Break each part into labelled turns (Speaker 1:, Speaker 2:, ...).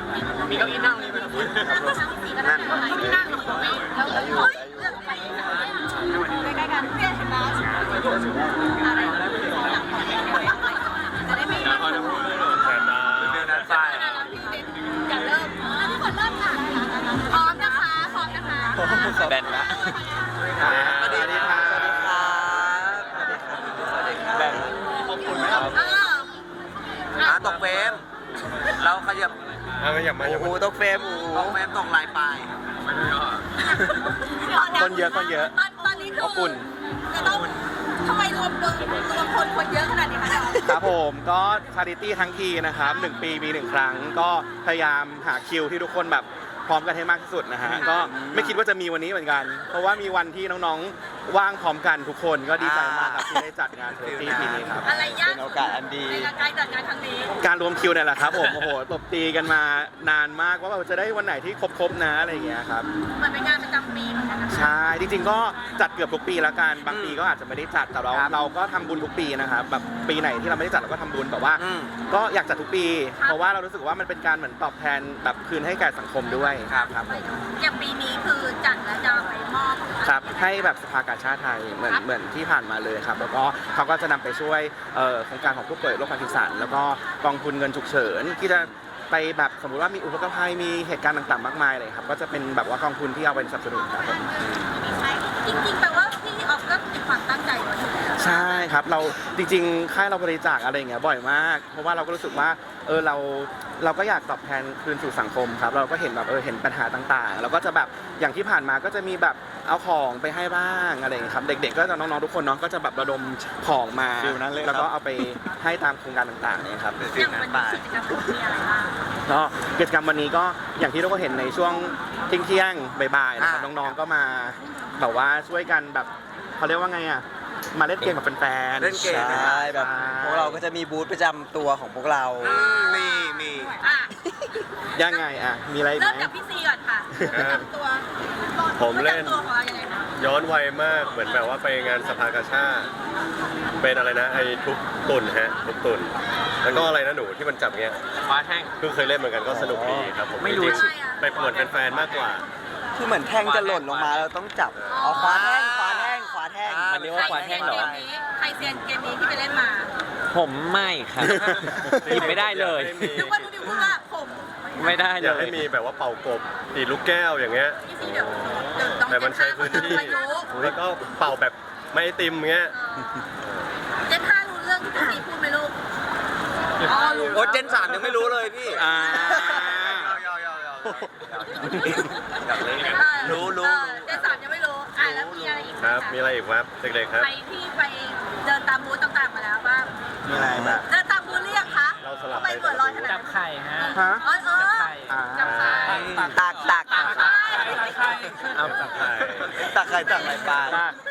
Speaker 1: มีเก้าอี้นั่งนี่ไหมครับนั่งที่นั่งของผมแล้วเฮ้ยเลือกไปใกล้ๆกันเพื่อนเห็นไหมอะไรจะได้ไม่มาจะเริ่มทุกคนเริ่มค่ะพร้อมนะคะพร้อมนะคะ
Speaker 2: แบนละสวัสดีค่ะสวัสดีค่ะสวัสดีค่ะแบนขอบคุณครับตกเฟรมเราขยับอูตกเฟรมตกเฟรมตกลายปลายคนเยอะตอนนี้คืออุ่นจะต้องทำไมรวมคนเยอะขนาดนี้คะ
Speaker 3: ครับผมก็ชาริตี้ทั้งทีนะครับ1 ปีมี1 ครั้งก็พยายามหาคิวที่ทุกคนแบบพร้อมกันให้มากที่สุดนะฮะก็ไม่คิดว่าจะมีวันนี้เหมือนกันเพราะว่ามีวันที่น้องๆว่างพร้อมกันทุกคนก็ดีใจมากครับที่ได้จัดงานชาริตี้ปีนี้ครับ
Speaker 2: เป็นโอกาสอันดี
Speaker 1: ในการจัดงานครั้งนี้
Speaker 3: การรวมคิวเนี่ยแหละครับผมโอ้โหตบตีกันมานานมากว่าเราจะได้วันไหนที่ครบนะอะไรอย่างเงี้ยครับ
Speaker 1: มันเป็นงานประจำปีเหมือนกัน
Speaker 3: ใช่จริงๆก็จัดเกือบทุกปีแล้วกันบางปีก็อาจจะไม่ได้จัดแต่เราก็ทำบุญทุกปีนะครับแบบปีไหนที่เราไม่ได้จัดเราก็ทำบุญแต่ว่าก็อยากจัดทุกปีเพราะว่าเรารู้สึกว่ามันเป็นการเหมือนตอบแทนแบบคืนให้แก่สังคมด้วยครับ
Speaker 1: อย่างปีนี้คือจัดแล้วจะไปมอบ
Speaker 3: ครับให้แบบสภากาชาติไทยเหมือนที่ผ่านมาเลยครับแล้วก็เขาก็จะนำไปช่วยโครงการของผู้ป่วยโรคพาร์กินสันแล้วก็กองทุนเงินฉุกเฉินที่จะไปแบบสมมุติว่ามีอุทกภัยมีเหตุการณ์ต่างๆมากมายเลยครับก็จะเป็นแบบว่ากองทุนที่เอาไปสนับสนุนครับผม
Speaker 1: จริงๆแปลว่าพี่ออฟก็มีความตั้งใจไว้
Speaker 3: ใช่ครับเราจริงๆค่ายเราบริจาคอะไรอย่างเงี้ยบ่อยมากเพราะว่าเราก็รู้สึกว่าเราก็อยากตอบแทนคืนสู่สังคมครับเราก็เห็นแบบเห็นปัญหาต่างๆเราก็จะแบบอย่างที่ผ่านมาก็จะมีแบบเอาของไปให้บ้างอะไรอย่างเงี้ยครับเด็กๆก็จะน้องๆทุกคนเนาะก็จะแบบระดมของมาแล้วก็เอาไปให้ตามโครงการต่างๆเนี่ยครับ
Speaker 1: อย่างวันนี้กิจกรรมมีอะไรบ้าง
Speaker 3: ก็กิจกรรมวันนี้ก็อย่างที่ทุกคนเห็นในช่วงเที่ยงบ่ายๆนะครับน้องๆก็มาแบบว่าช่วยกันแบบเขาเรียกว่าไงอ่ะมาเล่นเกมกับแฟนๆ
Speaker 2: เล่นเกมใช่แบบพวกเราก็จะมีบูธประจำตัวของพวกเรามี
Speaker 3: ยังไงอ่ะมีอะไรไหม
Speaker 1: เริ่มจากพี่ซีก่อนค่ะประจำตัว
Speaker 4: ผมเล่นย้อนวัยมากเหมือนแบบว่าไปงานสภากาชาติเป็นอะไรนะไอ้ทุบตุ่นฮะทุบตุ่นแล้วก็อะไรนะหนูที่มันจับเงี้ย
Speaker 2: ฟ้าแท่ง
Speaker 4: คือเคยเล่นเหมือนกันก็สนุกดีครับผม
Speaker 2: ไม่รู้
Speaker 4: ไปปวดแฟนๆมากกว่า
Speaker 2: คือเหมือนแท่งจะหล่นลงมาเราต้องจับขวาแท่งมันเรียกว่าขวาแท่งเหรอ
Speaker 1: ใครเซียนเกมนี้ที่ไปเล่นมา
Speaker 2: ผมไม่ครับหยิบไม่ได้เลย
Speaker 1: นึกว่าดูดิพูดว่าผม
Speaker 2: ไม่ได้เลย
Speaker 4: อยากให้มีแบบว่าเป่ากบตีลูกแก้วอย่างเงี้ยแต่มันใช้พื้นที่แล้วก็เป่าแบบไม่ติมเงี้ย
Speaker 1: เจน5รู้เรื่องที่พี่ซีพูดไหมลูก
Speaker 2: โอ้เจน3ยังไม่รู้เลยพี่รู้
Speaker 1: เจน3ยังไม่รู้แล้วมีอะไรอีก
Speaker 4: ครับมีอะไรอีกครับเด็กๆครับ
Speaker 1: ใครที่ไปเดินตามบูธต่างๆมาแล้วบ้าง
Speaker 3: มีอะไรแบบ
Speaker 1: เดินตามบูธเรียกคะ
Speaker 4: เราสลับ
Speaker 1: ไปเปิดรอยขนาด
Speaker 2: จับไข่ฮะ
Speaker 1: จับไข่
Speaker 2: ตัก
Speaker 4: เอาตักไข่
Speaker 2: ตักไข่ปลา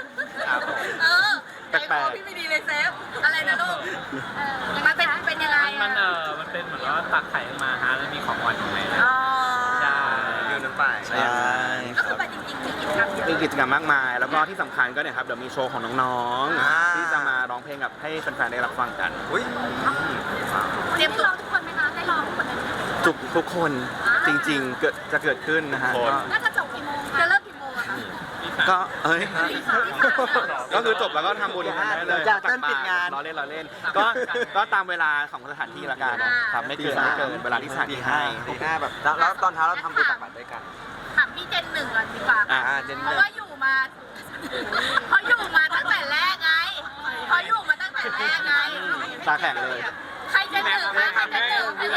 Speaker 1: แปลกๆพี่ไม่ดีเลยเซฟอะไรนะลูกมันเป็นยังไง
Speaker 2: มันเป็นเหมือนว่าตักไข่มาฮะแล้วมีของหวานอยู่ในนั้นใช่ยืนน้ำไปใช่
Speaker 1: ก็คือไปจริงๆ
Speaker 3: มีกิจกรรมมากมายแล้วก็ที่สำคัญก็เนี่ยครับเดี๋ยวมีโชว์ของน้องๆที่จะมาร้องเพลงกับให้แฟนๆได้รับฟังกัน
Speaker 1: เตรียมตัวทุกคนไหมคะได้ร้องทุกคนไหม
Speaker 3: ทุกคนจริงๆจะเกิดขึ้นนะฮะ
Speaker 1: น่าจะจบกี่โมงจะเลิกกี่โมงอะคะ
Speaker 3: ก็ก็คือจบแล้วก็ทำบุญกันได้เลย
Speaker 2: จากเต้นปิดงาน
Speaker 3: เราเล่นก็ตามเวลาของสถานที่ละกันครับไม่เกินเวลาที่สถานที่ให้
Speaker 2: แบบแล้วตอนเช้าเราทำบุญตักบาตรด้วยกัน
Speaker 1: ถามพี่เจน1ก่อนดีกว่าเพราะว่าอยู่มาตั้งแต่แรกไง
Speaker 3: ตาแข็งเลย
Speaker 1: ใครเจน1คะใครเจน1พี่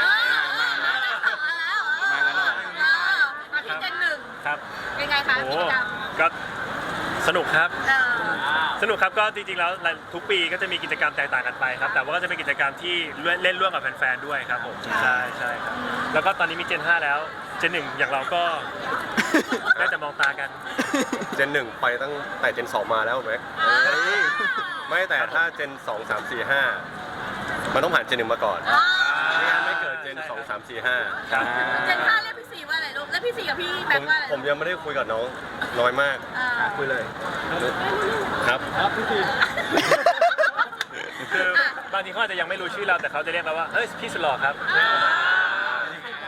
Speaker 1: เจน1
Speaker 4: ครับ
Speaker 1: เป็นไงคะกิจกรรม
Speaker 4: ก็สนุกครับก็จริงๆแล้วทุกปีก็จะมีกิจกรรมแตกต่างกันไปครับแต่ว่าก็จะเป็นกิจกรรมที่เล่นร่วมกับแฟนๆด้วยครับผมใช่ครับแล้วก็ตอนนี้มีเจน5แล้วเจน1อย่างเราก็ได้แต่มองตากันเจน1ไปตั้งแต่เจน2มาแล้วแม็กไม่แต่ถ้าเจน2 3 4 5มันต้องผ่านเจน1มาก่อนไม่เกิดเจน2 3 4 5ครับ
Speaker 1: เจน5เรียกพี่ซีว่าอะไรลูกแล้วพี่ซีกับพี่แม็กว่าอะไร
Speaker 4: ผมยังไม่ได้คุยกับน้องน้อยมากคุยเลยครับพี่ซีคือบางทีเขาอาจจะยังไม่รู้ชื่อเราแต่เขาจะเรียกเราว่าเฮ้ยพี่สุดหล่อครับ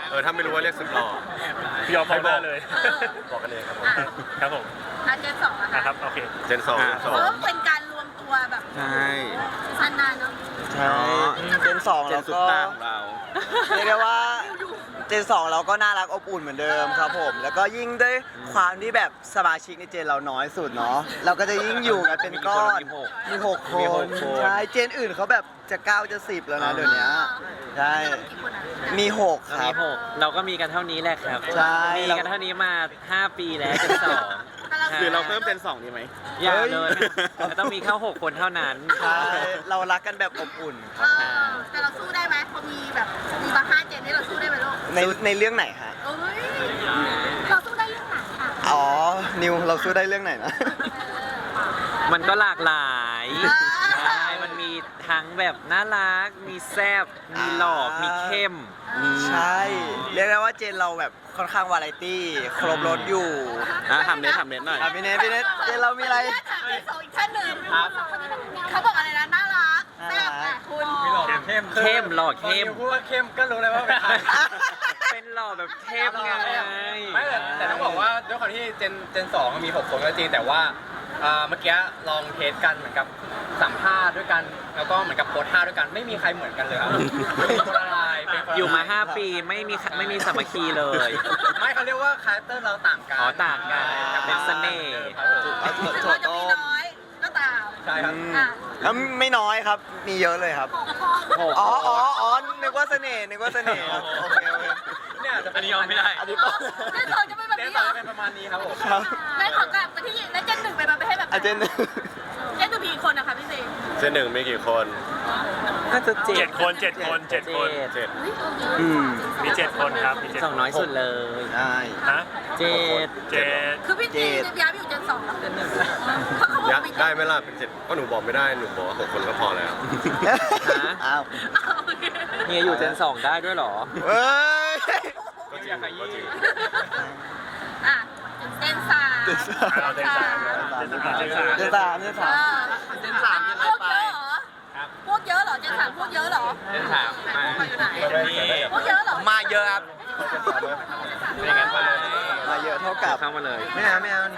Speaker 2: ถ้าไม่รู้ว่าเรียกสุดหล่อ
Speaker 4: พี่ยอมบอกได้เลย
Speaker 2: บอกกันเลยครับผม
Speaker 1: อ่ะ
Speaker 4: ครับผม
Speaker 1: อ่ะเจนสองอะ
Speaker 4: อ่ะ
Speaker 1: ค่ะ
Speaker 4: ครับโอเค
Speaker 2: เจนสอง
Speaker 1: เพราะว่าเป็นการรวมตัวแบบ
Speaker 3: ใช่
Speaker 1: ชันนานเนาะ
Speaker 3: ใช่
Speaker 5: เจนสอง
Speaker 3: เจ
Speaker 5: แล้
Speaker 3: น
Speaker 5: ว
Speaker 3: สุด
Speaker 5: ก็
Speaker 3: ตาของเรา
Speaker 5: เรียกได้ว่าเจนสองเราก็น่ารักอบอุ่นเหมือนเดิมครับผม แล้วก็ยิ่งด้วยความที่แบบสมาชิกในเจนเราน้อยสุดเนาะเราก็จะยิ่งอยู่กันเป็นก้อนมีหกค
Speaker 3: มีห
Speaker 5: น
Speaker 3: กคน
Speaker 5: ใช่เจนอื่นเขาแบบจะ9จะ10แล้วนะเดี๋ยวนี้ใช่
Speaker 1: กี่คนอ่ะ
Speaker 5: มี6ค
Speaker 6: มี
Speaker 5: รับ
Speaker 6: 6เราก็มีกันเท่านี้แหละครับ
Speaker 5: ใช่
Speaker 6: มีกันเท่านี้มา 5 ปีแล้วจนสอง
Speaker 3: หรือเราเพิ่มเป็น2ดีไหม
Speaker 6: อย่าเลยไม่ต้องมีแค่6 คนเท่านั้น
Speaker 5: ใช่เรารักกันแบบอบอุ่นค
Speaker 1: เอ
Speaker 5: รับ
Speaker 1: อแต่เราสู้ได้ไหมพอมีแบบมีมา5เจนนี่เราสู้ได้ไหมลูก
Speaker 5: ในเรื่องไหนฮะ
Speaker 1: เอ้ยเราสู้ได้เรื่องไหนค่ะ
Speaker 5: อ๋อนิวเราสู้ได้เรื่องไหนนะ
Speaker 6: มันก็หลากหลายใช่มันมีทั้งแบบน่ารัก มีแซบมีหลอก มีเข้ม
Speaker 5: ใช่ เรียกได้ว่าเจนเราแบบค่อนข้างวาไรตี้ครบรถอยู่
Speaker 3: ทำเน็ตหน่อย
Speaker 5: พี่เนทเจนเรามีอะไร
Speaker 1: ถามสองอีกท่านหนึ่งเขาบอกอะไรนะน่ารักแซ่บอ่ะคุณ
Speaker 6: เข้มหลอกเข้ม
Speaker 7: พูดว่าเข้มก็รู้เลยว่าเป็นใคร
Speaker 6: เป็นหลอกแบบเข้มไง
Speaker 7: ไม่แต่ต้องบอกว่าด้วยความที่เจนสองมี6 คนก็จริงแต่ว่าเมื่อกี้ลองเทสกันเหมือนกับสัมภาษณ์ด้วยกันแล้วก็เหมือนกับโพสท่าด้วยกันไม่มีใครเหมือนกันเลยครับเป็นคนละลายเป็นคนละล
Speaker 6: อยู่มา 5 ปีไม่มีสามัคคีเลย
Speaker 7: ไม่เขาเรียกว่าคาแรคเตอร์เราต่างกัน
Speaker 6: อ๋อต่างกันเป็นเสน่ห์
Speaker 7: ครับผม
Speaker 1: ถึงเราจะมีน้อยก็ตาม
Speaker 7: ใช่ครับ
Speaker 1: อ่ะ
Speaker 5: แล้วไม่น้อยครับ มีเยอะเลยครับ อ๋อ นึกว่าเสน่ห์ครับ โอเค
Speaker 7: เนี่ยจะเป็นยอมไม่ได้
Speaker 5: อันนี้
Speaker 1: เจนสองจะเป็นแบบ
Speaker 7: เจน
Speaker 1: นี้
Speaker 7: ส
Speaker 1: เหร
Speaker 7: อง
Speaker 1: อ
Speaker 7: จะเป็นประมาณนี้ครับผม
Speaker 5: ครับ
Speaker 1: แม่ขอกลับไปที่แล้วเจนหนึ่งไปมาไปให้แบบ
Speaker 5: อาเจน
Speaker 1: เจนจะมีกี่คนนะคะพี่เซ
Speaker 2: เจนหนึ่งมีกี่คน
Speaker 6: น่าจะเจ็
Speaker 4: เจ็
Speaker 6: ด
Speaker 4: ดคนเจ็ดคนเจ็ดคน
Speaker 2: เจ็ด
Speaker 4: มี7 คนครับมี7
Speaker 6: สองน้อยสุดเลย
Speaker 5: ใช่
Speaker 4: ฮะ
Speaker 6: เจ็ด
Speaker 4: เจ็ด
Speaker 1: คือพี่จีจะย้ายไปอยู่เจนสองเหรอเขาบอก
Speaker 2: ยั
Speaker 1: ว่า
Speaker 2: ด
Speaker 1: ไม่
Speaker 2: ได้ไหมล่ะเป็น7ก็หนูบอกไม่ได้หนูบอกว่า6 คนก็พอแล้ว
Speaker 5: อ้าว
Speaker 6: เฮียอยู่เจนสองได้ด้วยเหรอ
Speaker 5: เฮ้ย
Speaker 2: ก็จริงก็จริง
Speaker 1: อ่ะเจนสาม
Speaker 4: เอาเจนสามเจนสาม
Speaker 5: เจนสาม
Speaker 1: เจนสามยังไงไปพวกเยอะเหรอเจนสามพวกเยอะเหรอ
Speaker 7: เจนสามมา
Speaker 1: อยู่ไหนพวกเยอะเหรอ
Speaker 5: มาเยอะครับ
Speaker 7: เป็นอย่างนั้นไป
Speaker 5: มาเยอะเท่ากับ
Speaker 6: เข้ามาเลย
Speaker 5: ไม่เอา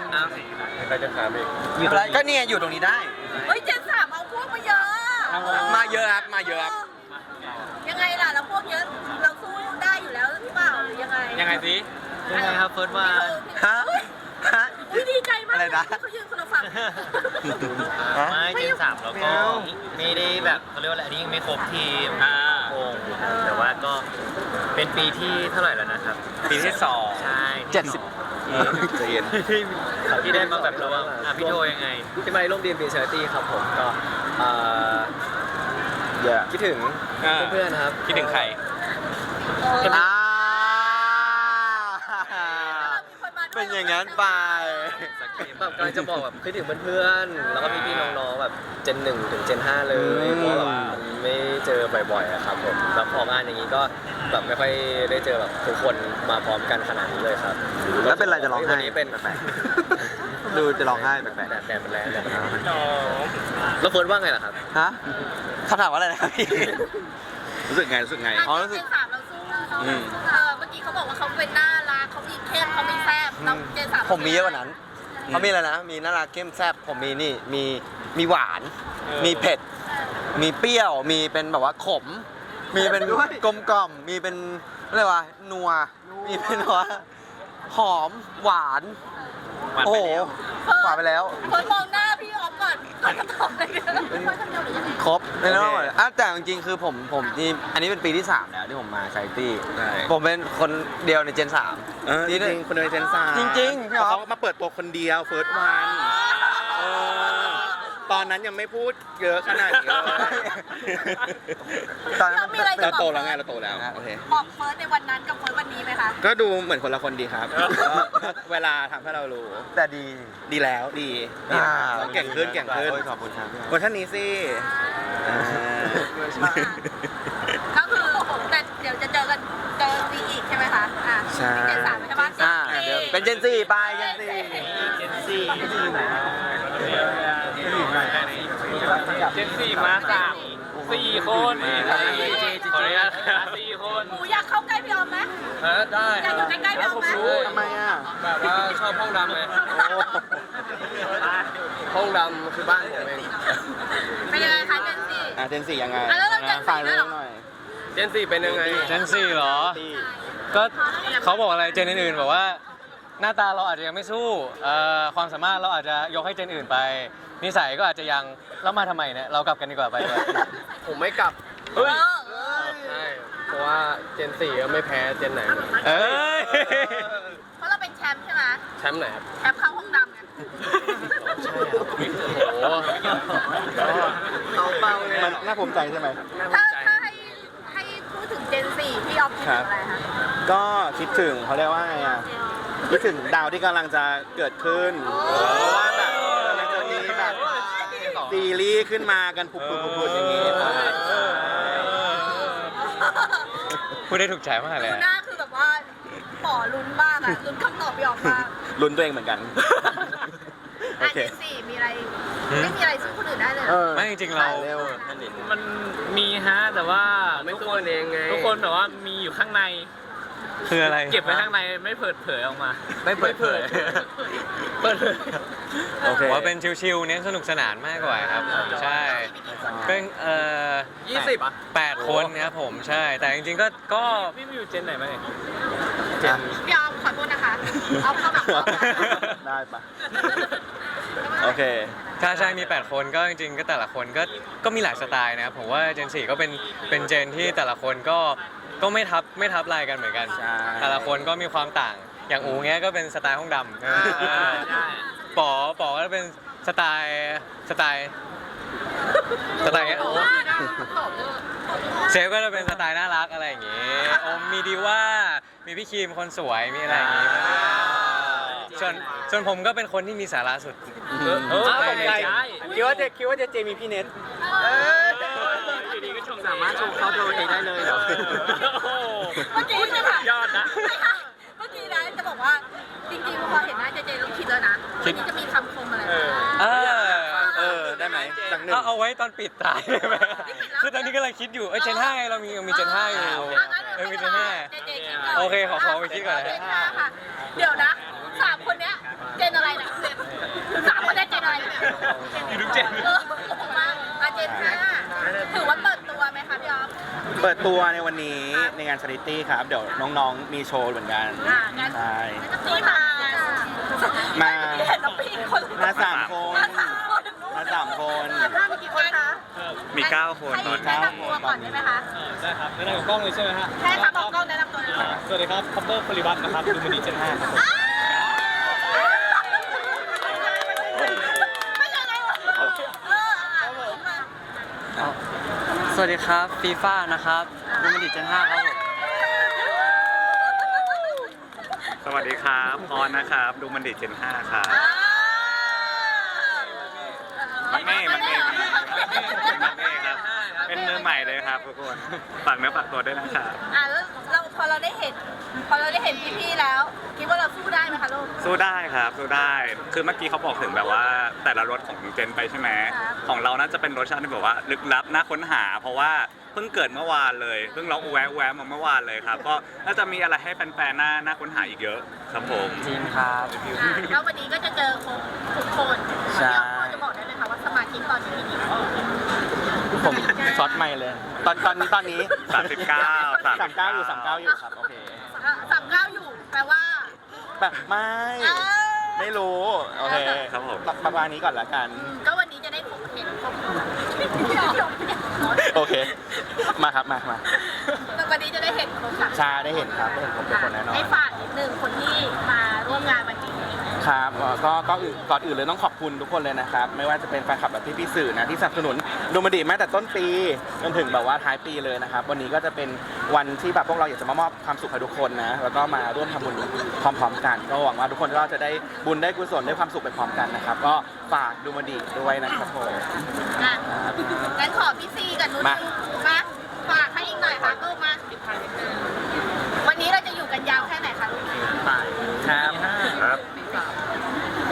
Speaker 2: ใครจะถามอีก
Speaker 6: อยู่ตรงนี้
Speaker 5: ก็เนี่ยอยู่ตรงนี้ได้
Speaker 1: เฮ้ยเจนสามเอาพวกมาเยอะ
Speaker 5: มาเยอะครับ มาเยอะครับ
Speaker 1: ยังไงล่ะเราพวกเยอะเราสู้ได้อยู่แล้วหรือเปล่าหรือยังไง
Speaker 7: ยังไงสิ
Speaker 6: ยังไงครับเฟิร์สวัน
Speaker 5: ฮะ ฮะ
Speaker 1: อุ้ยดีใจมาก
Speaker 5: อะไรนะ
Speaker 1: เขายืนคนละฝั่ง
Speaker 6: ไม่เจนสามแล้วก็ไม่ได้แบบเขาเรียกว่าอะไรอันนี้ยังไม่ครบทีมวงแต่ว่าก็เป็นปีที่เท่าไหร่แล้วนะครับ ปีที่2ใช่
Speaker 5: 70
Speaker 2: ใจเย็น
Speaker 6: ที่ได้มาแบบระวังพี่โทยังไงที่มาร่วมเรียนปีเชอร์ตี้ครับผมก็คิดถึงเพื่อนๆครับคิดถึงใคร
Speaker 5: อ่า
Speaker 1: มีคนมาด้วย
Speaker 5: เป็นอย่างนั้นไป
Speaker 6: แบบกำลังจะบอกแบบคิดถึงเพื่อนๆ แล้วก็พี่ๆน้องๆแบบเจน1ถึงเจน5เลยเพราะแบบมันไม่เจอบ่อยๆอะครับผมแล้วพองานอย่างนี้ก็แบบไม่ค่อยได้เจอแบบทุกคนมาพร้อมกันขนาดนี้เลยครับ
Speaker 5: แล้วเป็นไรจะร้องไห้
Speaker 6: วันนี้เป็น
Speaker 5: ดูจะร้องไห้แปลก
Speaker 6: แดดมันแรงแล้วเฟิร์นว่าไงล่ะครับ
Speaker 5: ๆฮะคำถามว่าอะไรนะครับพี่
Speaker 3: รู้สึกไง
Speaker 5: อ๋อรู้สึก
Speaker 1: เจนสามเราสู้เมื่อกี้เขาบอกว่าเขาเป็นน่ารักเขามีเข้มเขามีแซ่บแล้วเจนสาม
Speaker 5: ผมมีเยอะกว่านั้นเขามีอะไรนะ มีน่ารักเข้มแซ่บ ผมมีนี่ มีหวาน มีเผ็ด มีเปรี้ยว มีเป็นแบบว่าขม มีเป็นกลมกล่อม มีเป็นอะไรวะ นัว มีเป็นว่าหอม หวาน โอ้โห หวานไปแล้ว
Speaker 1: คนมองหน้าพี่ออฟก่อนก่อนจะตอบอะไรกันคนคนเดียวหรือยังไง
Speaker 5: ครบไม่ต้องหมดแต่จริงๆ คือผมนี่อันนี้เป็นปีที่ 3 แล้วที่ผมมาชาริตี้
Speaker 3: ใช่
Speaker 5: ผมเป็นคนเดียวในเจน
Speaker 3: จริงๆคนเดียวเจนสาม
Speaker 5: จริงๆพี่อ๊อฟ
Speaker 3: เขามาเปิดตัวคนเดียวเฟิร์สวันตอนนั้นยังไม่พูดเยอะขนาดนี้เลย
Speaker 5: ตอนนั้น
Speaker 1: มีอะไรจะ
Speaker 3: เรา
Speaker 1: บอก
Speaker 3: โตแล้วไงเราโตแล้วโอเค
Speaker 1: บอกเฟิร์สในวันนั้นกับเฟิร์สวันนี้ไหมคะ
Speaker 3: ก็ดูเหมือนคนละคนดีครับ เวลาทำให้เรารู้
Speaker 5: แต่ดี
Speaker 3: ดีแล้วดีเราเก่งขึ้น
Speaker 5: โอ้ยขอบคุณครับ
Speaker 3: คนท่านนี้สิ
Speaker 1: ก็คือแต่เดี๋ยวจะเจอกันเจอปีอีกใช่ไหมคะอ่ะ
Speaker 3: ใช่
Speaker 1: เจนสามใช่ปะ
Speaker 5: เดี๋ยวเป็นเจน4ไปเจน4
Speaker 7: เจนสี่มา4 คนขออนุญาต4 คน
Speaker 1: หนูอยากเข้าใกล้พี่ออมไหม
Speaker 6: ได้
Speaker 1: อยากอยู่ใกล้ๆพี่ออฟไหม
Speaker 3: ทำไมอ่ะ
Speaker 6: แบบว่าชอบห้องดำไง
Speaker 3: โอ้
Speaker 6: ห้องดำคือบ้านผมเอง
Speaker 1: เป็นยังไงคะเจนสี่
Speaker 3: เจนสี่ยังไง
Speaker 1: แล้วเราเจน
Speaker 3: ฝาก
Speaker 1: สี่ด้
Speaker 3: เรื่
Speaker 1: วย
Speaker 3: อง
Speaker 1: เหรอ
Speaker 3: หน่อย
Speaker 6: เจนสี่เป็นยังไง
Speaker 8: เจนซี่เหรอ
Speaker 3: ที่
Speaker 8: ก็เขาบอกอะไรเจนอื่นๆบอกว่าหน้าตาเราอาจจะยังไม่สู้ความสามารถเราอาจจะยกให้เจนอื่นไป นิสัยก็อาจจะยังแล้วมาทำไมเนี่ยเรากลับกันดีกว่าไปเลย
Speaker 6: ผมไม่กลับ
Speaker 1: เออ
Speaker 6: ใช่เพราะว่าเจนสี่ก็ไม่แพ้เจนไหนเลย
Speaker 8: เอ้ย
Speaker 1: เพราะเราเป็นแชมป์ใช่ไหม
Speaker 6: แชมป์ไหนครับ
Speaker 1: แชมป์เข้าห้องดำไง
Speaker 6: ใช่ครับโอ้โหเอาเป้าเลย
Speaker 3: มันน่าภูมิใจใช่ไหม
Speaker 1: ถ้าให้พูดถึงเจนสี่พี่ออฟคิดถึงอะไรคะ
Speaker 3: ก็คิดถึงเขาเรียกว่าไงอ่ะคิดถึงดาวที่กำลังจะเกิดขึ้นเพราะว่าแบบกำลังจะมีแบบซีรีส์ขึ้นมากันผุดๆๆอย่างงี้ครับ
Speaker 8: พูดได้ถูกใจมากเลย
Speaker 1: ดู
Speaker 8: อะ
Speaker 1: หน้าคือแบบว่าปอลุ้นมากอะลุ้นคำตอบพี่ออฟมาก
Speaker 3: ลุ้นตัวเองเหมือนกัน โอ
Speaker 1: อ่ะ
Speaker 3: เค
Speaker 1: เจนสี่มีอะไรไม่มีอะไรสู้คนอื่นได้เลยเหร
Speaker 3: เอ
Speaker 1: อ
Speaker 3: อ
Speaker 8: ไม่จริงๆเรา
Speaker 3: ถ่ยเร็ว
Speaker 9: มันมีฮะแต่ว่า
Speaker 6: ไม่สู้กันเองไง
Speaker 9: ทุกคนแบบว่ามีอยู่ข้างใน
Speaker 8: คืออะไร
Speaker 9: เก็บไว้ข้างในไม่เปิดเผยออกมา
Speaker 8: ไม่เปิดเผย
Speaker 9: เปิดเผย
Speaker 3: โอเค
Speaker 8: ผมว่าเป็นชิลๆเน้นสนุกสนานมากกว่าครับผมใช่เป็น
Speaker 6: 20 อ่ะ
Speaker 8: 8 คนครับผมใช่ แต่จริงๆก็
Speaker 9: พี่มีอยู่เจนไหนมาเนี่ย
Speaker 1: พี่ออฟขอโทษนะคะเอาเข้าแบบออฟ
Speaker 3: ได้ปะโอเค
Speaker 8: ใช่มี 8 คนก็จริงๆก็แต่ละคนก็มีหลายสไตล์นะครับผมว่าเจน4ก็เป็นเจนที่แต่ละคนก็ไม่ทับลายกันเหมือนกัน
Speaker 3: ใช่
Speaker 8: แต่ละคนก็มีความต่างอย่างอูเงี้ยก็เป็นสไตล์ห้องดำ
Speaker 9: ใช่
Speaker 8: ป๋อก็เป็นสไตล์เงี้ยเซฟก็จะเป็นสไตล์น่ารักอะไรอย่างงี้อมมีดีว่ามีพี่ครีมคนสวยมีอะไรอย่างงี้ส่วนผมก็เป็นคนที่มีสาระสุด
Speaker 6: ตกใจคิดว่าจะเจมีพี่เน็ต
Speaker 9: อยู่ดีก็ชม
Speaker 6: สามารถชมเขาตัวเองได้เลยเหรอ
Speaker 9: โอ้โห
Speaker 1: เมื่อกี้ใช่ไหม
Speaker 9: ยอดนะ
Speaker 1: เมื่อกี้นะจะบอกว่าจริงๆพอเห็นหน้าเจเจต้องคิดแล้วนะวันนี้จะมีคำคมอะไรบ้าง
Speaker 3: ได้ไหมสักหนึ่ง
Speaker 8: เอาไว้ตอนปิดตายได้ไหมคือตอนนี้กำลังคิดอยู่เจน5ไงเรามีเจน5อยู่มีเจน5
Speaker 1: เจเจคิดก่อน
Speaker 8: โอเคขอไปคิดก่อนนะ
Speaker 1: เจนห้าค่ะ เดี๋ยวนะสามคนเนี้ยเจนอะไรเนี่ยสามคนเนี้ยเจนอะไรเนี่ย
Speaker 9: อยู่ทุกเจน
Speaker 1: เออมาเจนห้าถือว่าเปิดตัวไหมคะพี่ออฟ
Speaker 3: เปิดตัวในวันนี้ในงานชาริตี้ครับ เดี๋ยวน้องๆมีโชว์เหมือนกัน
Speaker 1: งั้น
Speaker 3: ใช่
Speaker 1: นี่มา
Speaker 3: มา
Speaker 1: เห็นน้องปีนคน
Speaker 3: มาสามคน
Speaker 1: มาสามคน
Speaker 3: มาสามคน
Speaker 1: มามีกี่คนคะ
Speaker 4: มี 9 คน
Speaker 1: ให้แนะนำตัวก่อนได้ไหมคะ
Speaker 9: ได้ครับไม่ได้กับกล้องเลยใช่ไหมฮะ
Speaker 1: ใช่ค่ะบอกกล้องแนะนำตัวเลยค่ะ
Speaker 9: สวัสดีครับคัพเปอร์พลิวัตนะครับดูมันดีเจน5ครับผม
Speaker 1: ไม่ใช่อะไรวะมา
Speaker 8: สวัสดีครับฟีฟ่านะครับดูมันดิเจน5ครับผม
Speaker 4: สวัสดีครับพรนะครับ ดูมันดิเจน 5 ครับ มันเน่ครับ เป็นมือใหม่เลยครับทุกคน ฝากเนื้อฝากตัวด้วยนะครับ
Speaker 1: แล้วเราพอเราได้เห็นพี่ๆแล้ว คิดว่าเราสู้ได้ไหมคะลูก
Speaker 4: สู้ได้ครับ สู้ได้ คือเมื่อกี้เขาบอกถึงแบบว่าแต่ละรสของเจนไปใช่ไหม
Speaker 1: ครับ
Speaker 4: ของเราน่าจะเป็นรสชาติที่แบบว่าลึกลับน่าค้นหา เพราะว่าเพิ่งเกิดเมื่อวานเลย เพิ่งเราแวะมาเมื่อวานเลยครับ ก็น่าจะมีอะไรให้แฟนๆน่าค้นหาอีกเยอะครับผม
Speaker 8: จริงครับ
Speaker 1: แล้ววันนี้ก็จะเจอทุกคน
Speaker 3: ใช่
Speaker 1: พี่ออฟพอจะบอกได้ไหมคะว่าสมาชิกตอนนี้มีกี่คน
Speaker 3: ผมช็อตไม่เลย ตอนนี้
Speaker 4: 39
Speaker 3: 39อยู่39อยู่ครับ โอเค
Speaker 1: 39อยู่แปลว่า
Speaker 3: แบบไม่รู้ โอเค
Speaker 4: ครับผม
Speaker 3: ประมาณนี้ก่อนละกัน
Speaker 1: ก็วันนี้จะได้เห็นครบ
Speaker 3: โอเค มาครับมา
Speaker 1: วันนี้จะได้เห็นครบค่ะ
Speaker 3: ชาได้เห็นครับได้เห็นครบทุกคนแน่นอน
Speaker 1: ให้ฝากนิดนึงคนที่มาร่วมงานวันนี้
Speaker 3: ครับก็ก่อนอื่นเลยต้องขอบคุณทุกคนเลยนะครับ ไม่ว่าจะเป็นแฟนคลับแบบพี่ๆสื่อนะที่สนับสนุนดูมันดีมาแต่ต้นปีจนถึงแบบว่าท้ายปีเลยนะครับ วันนี้ก็จะเป็นวันที่แบบพวกเราอยากจะมามอบความสุขให้ทุกคนนะ แล้วก็มาร่วมทำบุญพร้อมๆกัน ก็หวังว่าทุกคนก็จะได้บุญได้กุศลได้ความสุขไปพร้อมกันนะครับ ก็ฝากดูมันดีด้วยนะครับผม
Speaker 1: งั้นขอพี่ซีกับนุช
Speaker 3: มา
Speaker 1: มาฝากให้อีกหน่อยค่ะลูกมาวันนี้เราจะอยู่กันยาวแค่ไหนคะลูก
Speaker 6: ครับ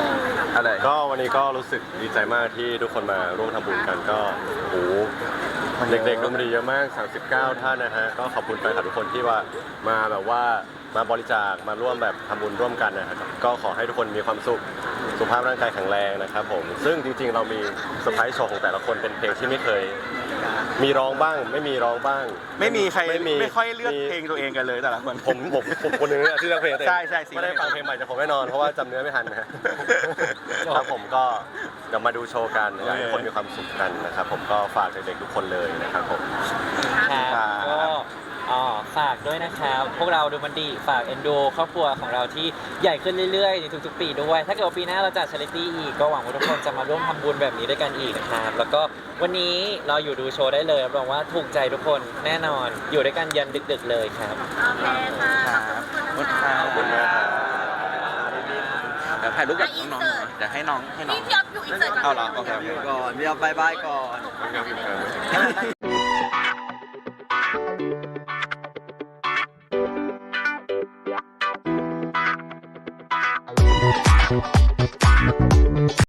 Speaker 3: อะไร
Speaker 10: ก็วันนี้ก็รู้สึกดีใจมากที่ทุกคนมาร่วมทำบุญกันก็โอ้โหเด็กๆดนตรีเยอะมาก 39 ท่านนะฮะ ก็ขอบคุณแฟนคลับทุกคนที่ว่ามาแบบว่ามาบริจาคมาร่วมแบบทำบุญร่วมกันนะครับก็ขอให้ทุกคนมีความสุขสุขภาพร่างกายแข็งแรงนะครับผมซึ่งจริงๆเรามีเซอร์ไพรส์โชว์ของแต่ละคนเป็นเพลงที่ไม่เคย มีร้องบ้างไม่มีร้องบ้าง
Speaker 3: ไม่มีใคร
Speaker 10: ไม่มี
Speaker 3: ไม่ค่อยเลือกเพลงตัวเองกันเลยแต่ละคน
Speaker 10: ผมคนหนึงเนี่ยที่เลือกเพลงตัวเอง
Speaker 3: ใช่
Speaker 10: ไม่ได้ฟังเพลงใหม่จากผมแน่นอนเพราะว่าจำเนื้อไม่ทันนะฮะครับผมก็เดี๋ยวมาดูโชว์กันอยากให้ทุกคนมีความสุขกันนะครับผมก็ฝากเด็กๆทุกคนเลยนะครับผม
Speaker 11: ครับก็ฝากด้วยนะครับพวกเราดูมันดีฝากเอ็นดูครอบครัวของเราที่ใหญ่ขึ้นเรื่อยๆในทุกๆปีด้วย ถ้าเกิดว่าปีหน้าเราจัดชาริตี้อีกก็หวังว่าทุกคนจะมาร่วมทำบุญแบบนี้ด้วยกันอีกนะครับแล้วก็วันนี้เราอยู่ดูโชว์ได้เลยรับรองว่าถูกใจทุกคนแน่นอนอยู่ด้วยกันยันดึกๆเลยครับ
Speaker 1: โอเคค่ะ
Speaker 3: ขอบคุณค่ะ
Speaker 10: ขอบคุณมากครับ
Speaker 3: เดี๋ยวถ่ายรูปกับน้องๆเดี๋ยวให้น้อง
Speaker 1: นี่พี่อ๊อฟอยู่อินเสิร์ตก่อน
Speaker 3: เอาเหรอโอเค
Speaker 5: ก่อนพี่เอาบายบายก่อน
Speaker 10: ครับ